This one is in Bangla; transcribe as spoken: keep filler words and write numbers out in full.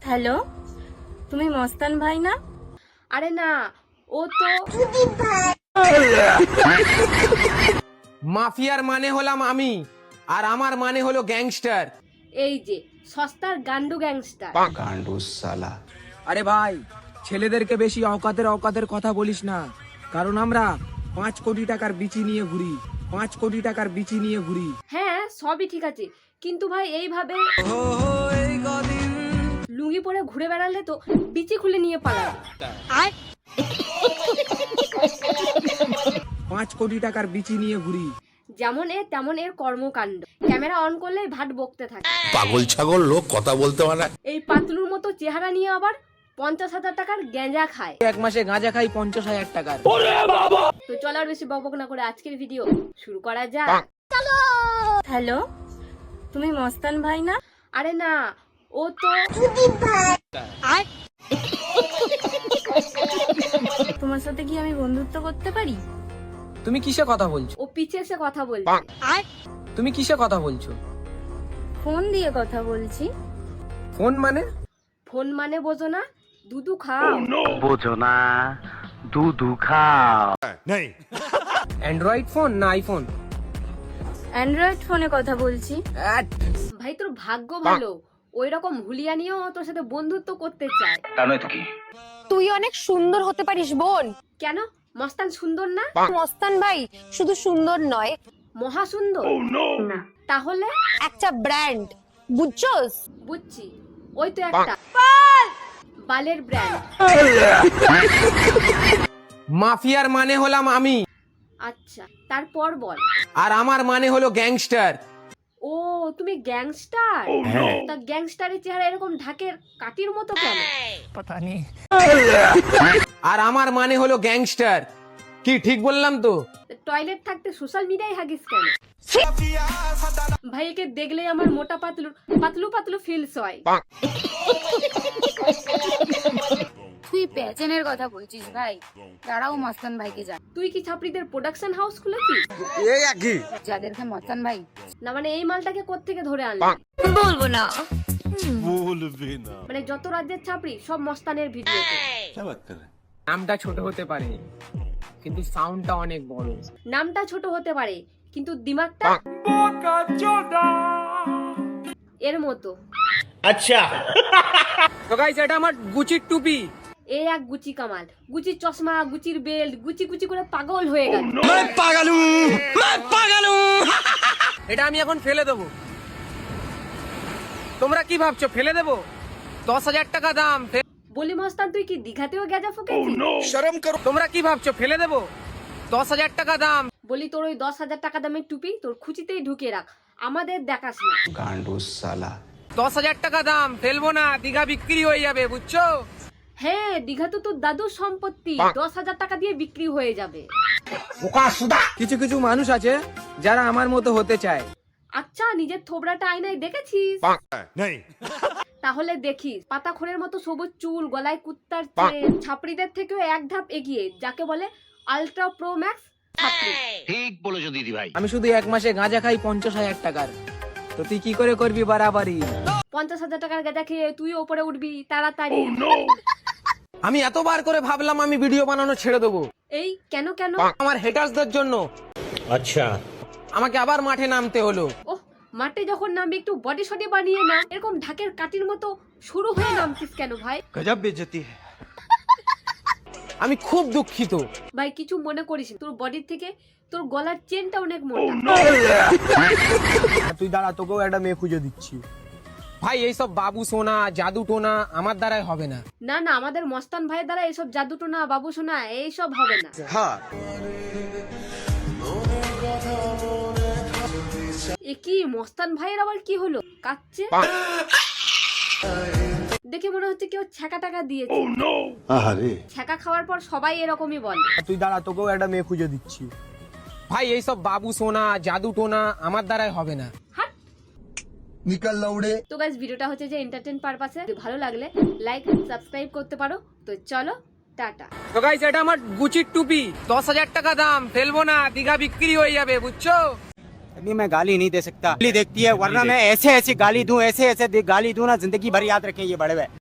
হ্যালো, তুমি মস্তান ভাই না? আরে না, ও তো মাফিয়ার মানে হলাম আমি, আর আমার মানে হলো গ্যাংস্টার। এই যে সস্তার গান্ডু গ্যাংস্টার। গান্ডু সালা। আরে ভাই, ছেলেদেরকে বেশি অকাতের অকাতের কথা বলিস না, কারণ আমরা পাঁচ কোটি টাকার বিচি নিয়ে ঘুরি পাঁচ কোটি টাকার বিচি নিয়ে ঘুরি হ্যাঁ, সবই ঠিক আছে, কিন্তু ভাই এইভাবে লুঙ্গি পরে ঘুরে বেড়ালে তো বিচি খুলে নিয়ে পালাবে। পাঁচ কোটি টাকার বিচি নিয়ে ঘুরি যেমন এ তেমন এর কর্মকাণ্ড। ক্যামেরা অন করলেই ভাট বকতে থাকে। পাগল ছাগল লোক কথা বলতে পারে না। এই পাতলুর মতো চেহারা নিয়ে আবার পঞ্চাশ হাজার টাকার গেঁজা খায়। এক মাসে গাঁজা খাই পঞ্চাশ হাজার টাকার। তো চলো আর বেশি বকবক না করে আজকের ভিডিও শুরু করা যাক। হ্যালো, তুমি মস্তান ভাই না? আরে না, ও তো তোমার সাথে কি আমি বন্ধুত্ব করতে পারি? তুমি কিসে কথা বলছো? ও পিছে এসে কথা বলছে। তুমি কিসে কথা বলছো? ফোন দিয়ে কথা বলছি। ফোন মানে? ফোন মানে বোঝো না? দুধু খাও। বোঝো না, দুধু খাও। অ্যান্ড্রয়েড ফোন না আইফোন? অ্যান্ড্রয়েড ফোনে কথা বলছি। ভাই তোর ভাগ্য ভালো, ওই রকম হুলিয়া নিয়েও তোর সাথে বন্ধুত্ব করতে চায়। তুই অনেক সুন্দর হতে পারিস বোন। কেন? মস্তান সুন্দর না? মস্তান ভাই শুধু সুন্দর নয়, মহা সুন্দর। না তাহলে একটা ব্র্যান্ড, বুঝছস? বুঝছি, ওই তো একটা বালের ব্র্যান্ড। মাফিয়ার মানে হলাম আমি, আচ্ছা, তারপর বল। আর আমার মানে হলো গ্যাংস্টার। ও তুমি গ্যাংস্টার? তা গ্যাংস্টারের চেহারা এরকম ঢাকের কাটির মতো কেন? আর আমার মানে হলো গ্যাংস্টার। কি ঠিক বললাম তো? টয়লেট থাকতে সোশ্যাল মিডিয়ায় হাগিস কেন? ভাইকে দেখলেই আমার মোটা পাতলু পাতলু পাতলু ফিলস হয়। তুই পেছনের কথা বলছিস ভাই, তারাও মস্তান ভাইকে জান। তুই কি ছাপড়িদের প্রোডাকশন হাউস খুলেছিস? যাদেরকে মস্তান ভাই না মানে এই মালটাকে কোত্থেকে ধরে আনলি? বলবো না। মানে যত রাজ্যের ছাপড়ি সব মস্তানের ভিডিওতে। নামটা ছোট হতে পারে, কিন্তু সাউন্ডটা অনেক বড়। নামটা ছোট হতে পারে, কিন্তু দিমাগটা এর মতো। তো গাইস, এটা আমার গুচির টুপি। এই এক গুচি কামাল, গুচির চশমা, গুচির বেল্ট, গুচি গুচি করে পাগল হয়ে গেল। এটা আমি এখন ফেলে দেবো। তোমরা কি ভাবছো ফেলে দেবো? দশ হাজার টাকা দাম। ফে- বলি মস্তান, তুই কি দিঘাতেও গেজা ফুকেছিস? তোমরা কি ভাবছো ফেলে দেবো? দশ হাজার টাকা দাম। বলি তোর ওই দশ হাজার টাকা দামের টুপি তোর খুচিতেই ঢুকিয়ে রাখ, আমাদের দেখাস না। গান্ডু সালা। দশ হাজার টাকা দাম, ফেলবো না, দীঘা বিক্রি হয়ে যাবে, বুঝছো? হ্যাঁ, দীঘা তো তোর দাদুর সম্পত্তি, দশ হাজার টাকা দিয়ে বিক্রি হয়ে যাবে। কিছু কিছু মানুষ আছে যারা আমার মতো হতে চায়। আচ্ছা, নিজের থোবরাটা আয়নায় দেখেছিস? তাহলে দেখিস, পাতাখোরের মতো সবুজ চুল, গলায় কুত্তার চেন, ছাপড়িদের থেকেও এক ধাপ এগিয়ে, যাকে বলে আলট্রা প্রো ম্যাক্স ছাপড়ি। ঠিক বলেছো দিদি ভাই। আমি শুধু এক মাসে গাঁজা খাই পঞ্চাশ হাজার টাকার। তো তুই কি করে করবি বাড়াবাড়ি? পঞ্চাশ হাজার টাকার গাঁজা খেয়ে তুই ওপরে উঠবি তাড়াতাড়ি। আমি এতবার করে ভাবলাম আমি ভিডিও বানানো ছেড়ে দেবো, এই কেন কেন? আমার হেটার্সদের জন্য। আচ্ছা, আমাকে আবার মাঠে নামতে হলো। ওহ, মাঠে যখন নামবি একটু বডি শডি বানিয়ে না, এরকম ঢাকের কাটির মতো শুরু হয়ে নামছিস কেন ভাই? আমি খুব দুঃখিত ভাই কিছু মনে করিস না, তোর বডির থেকে তোর গলার চেনটা অনেক মোটা। তুই দাঁড়া, তোকেও একটা মেয়ে খুঁজে দিচ্ছি। ভাই। এইসব বাবু সোনা, জাদু টোনা আমার দ্বারাই হবে না। না না, আমাদের মস্তান ভাইয়ের দ্বারা এইসব জাদু টোনা, বাবু সোনা এইসব হবে না। এ কি মস্তান ভাইয়ের আবার কি হলো? কাচ্ছে দেখে মনে হচ্ছে কেউ ছ্যাঁকা টাকা দিয়েছে। ছ্যাঁকা খাওয়ার পর সবাই এরকমই বলে। তুই দাঁড়া, তোকেও একটা মেয়ে খুঁজে দিচ্ছি। ভাই এইসব বাবু সোনা, জাদু টোনা আমার দ্বারাই হবে না। হাট। তো গাইস, ভিডিওটা হচ্ছে যে এন্টারটেইন পারপাসে, ভালো লাগলে লাইক সাবস্ক্রাইব করতে পারো। তো চলো, টাটা। তো গাইস, এটা আমার গুচির টুপি, দশ হাজার টাকা দাম, ফেলবো না, দীঘা বিক্রি হয়ে যাবে, বুঝছো? अभी मैं गाली नहीं दे सकता। गाली देखती है, वरना मैं ऐसे ऐसे गाली दूं, ऐसे ऐसे गाली दूं ना, जिंदगी भर याद रखें ये बड़े हुए।